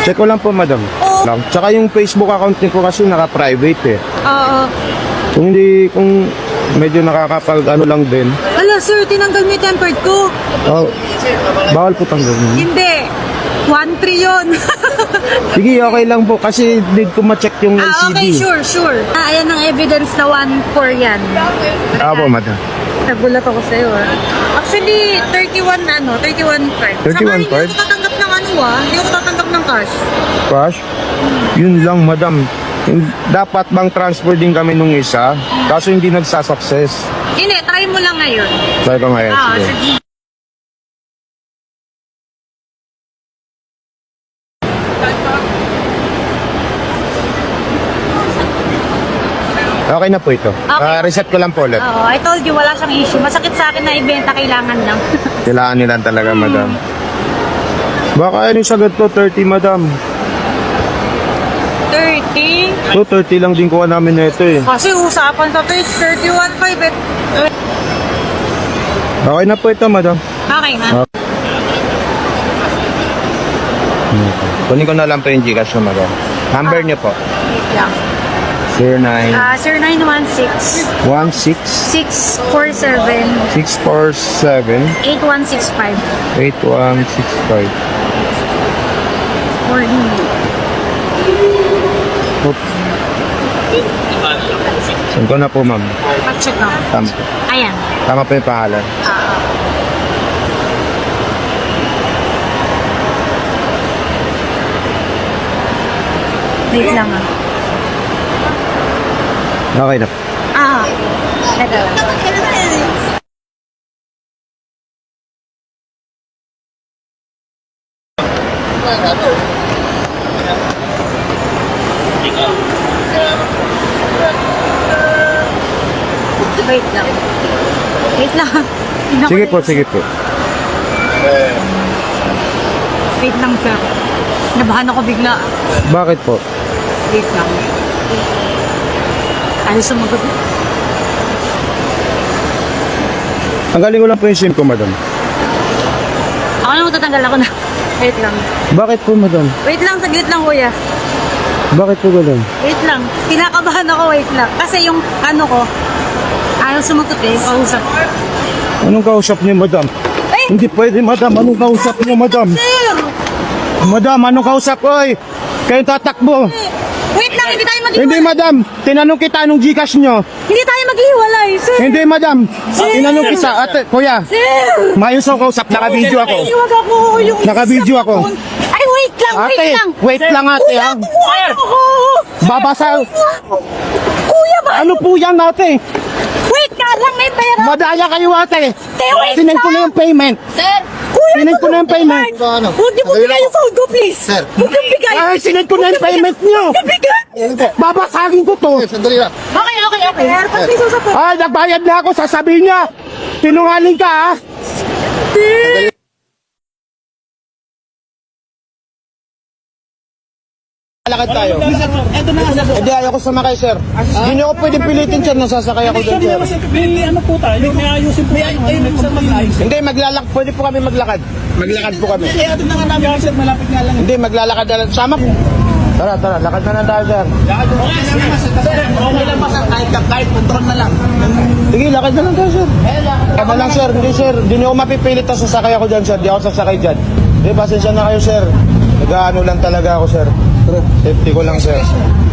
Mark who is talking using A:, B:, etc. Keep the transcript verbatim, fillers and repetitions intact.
A: Check ko lang po, madam.
B: Oo.
A: Lang. Tsaka yung Facebook account niyo po kasi naka-private eh.
B: Oo.
A: Kung hindi, kung medyo nakakapag ano lang din.
B: Ala, sir, tinanggal mo yung tempered ko.
A: Oh, bawal po tanggalin.
B: Hindi. one three yun.
A: Sige, okay lang po kasi need ko ma-check yung L
B: ah,
A: C D.
B: okay, sure, sure. Ah, ayan ang evidence na one four yan.
A: Ah po, madam.
B: Nagulat ako sa'yo, ah. Actually, thirty-one, ano, thirty-one card.
A: thirty-one
B: Saka
A: card?
B: hindi ako tatanggap ng ano, ah. Hindi ako tatanggap ng cash.
A: Cash? Yun lang, madam. Hin- Dapat bang transfer din kami nung isa? Kaso hindi nagsasucess.
B: Hindi, try mo lang ngayon.
A: Try ko ngayon.
B: Ah,
A: sige.
B: sige.
A: Okay na po ito.
B: Okay.
A: Ah, reset ko lang po ulit.
B: Oo, I told you, wala siyang issue. Masakit sa akin na ibenta, kailangan lang.
A: Kailangan nila talaga, madam. Baka ano sagad to, thirty, madam.
B: thirty?
A: To, thirty lang din kuha namin na ito eh.
B: Kasi usapan sa page, thirty-one five eh.
A: Okay na po ito, madam.
B: Okay na.
A: Kunin ko na lang po yung Gcash na, madam. Number niyo po.
B: Wait lang.
A: zero nine
B: Ah, sir, nine one six,
A: one six
B: six four seven,
A: six four seven
B: eight one six five.
A: eight one six five.
B: Or hindi.
A: Oops. Saan ko na po, ma'am?
B: Check na.
A: Tama,
B: Ayan.
A: tama po yung pangalan.
B: Ah. Wait lang ah.
A: Okay na po.
B: Ah. Ito lang. Wait lang. Wait lang. Tingnan ko
A: Sige
B: lang.
A: po, sige po.
B: Wait lang, sir. Nabahan ako bigla.
A: Bakit po?
B: Wait lang. Ayaw sumagot.
A: Tanggalin ko lang po yung SIM ko, madam.
B: Ako na matatanggal ako na. Wait lang.
A: Bakit po, madam?
B: Wait lang, saglit lang, kuya.
A: Bakit po ganun?
B: Wait lang. Kinakabahan ako, wait lang. Kasi yung ano ko, ayaw sumagot eh. Kausap.
A: Anong kausap niyo, madam?
B: Eh!
A: Hindi pwede, madam. Anong kausap niyo, madam?
B: Sir!
A: Madam, anong kausap ko? Oy, kayo tatakbo.
B: Wait lang, hindi tayo maghiwalay.
A: Hindi, madam. Tinanong kita anong Gcash nyo.
B: Hindi tayo maghiwalay, sir.
A: Hindi, madam. Tinanong kita. Ate, kuya.
B: Sir!
A: Mayos ako kausap. Naka-video ako.
B: Iwag ako yung...
A: Naka-video ako.
B: Ay, wait lang, wait
A: Ate,
B: lang.
A: wait lang, ate.
B: Kuya,
A: Ha?
B: tuwa ako.
A: Babasa.
B: Kuya ba?
A: Ano po yan, ate?
B: Wait ka lang, may pera.
A: Madaya kayo, ate.
B: Te, wait
A: Sinend ko
B: lang.
A: na yung payment.
B: Sir! Kuya,
A: Sinend ko na yung payment.
B: Huwag niyo po bigay yung phone ko, please. Sir. Huwag niyo bigay.
A: Ay, sinend ko na yung payment nyo.
B: Huwag niyo bigay.
A: Babasagin ko to.
C: Sandali lang.
B: Okay, okay, okay. Airpods, please, usap po.
A: Ay, nagbayad na ako. Sasabihin niya. Sinungaling ka, ha? Lakad tayo.
C: Ito na nga, sir.
A: Hindi, ayoko sumakay, sir. Hindi niyo ako pwedeng pilitin, sir. Nasasakay ako dyan, sir.
C: May ano po tayo, may ayusin po tayo. Ay, sir, mag-ayos.
A: Hindi, maglalak. Pwede po kami maglakad. Maglakad po kami.
C: Eh, ito na nga namin, sir, malapit nga lang.
A: Hindi, maglalakad na lang. Sama po. Tara, tara. Lakad na lang tayo, sir.
C: Okay, sir, sir, okay lang ba, sir? Kahit, kahit control na lang.
A: Sige, lakad na lang tayo, sir. Lakad na lang, sir. Hindi, sir. Hindi niyo ako mapipilit na sasakay ako dyan, sir. Hindi ako sasakay dyan. Hindi, pasensya na kayo, sir. Nag-ano lang talaga ako, sir. Safety ko lang, sir.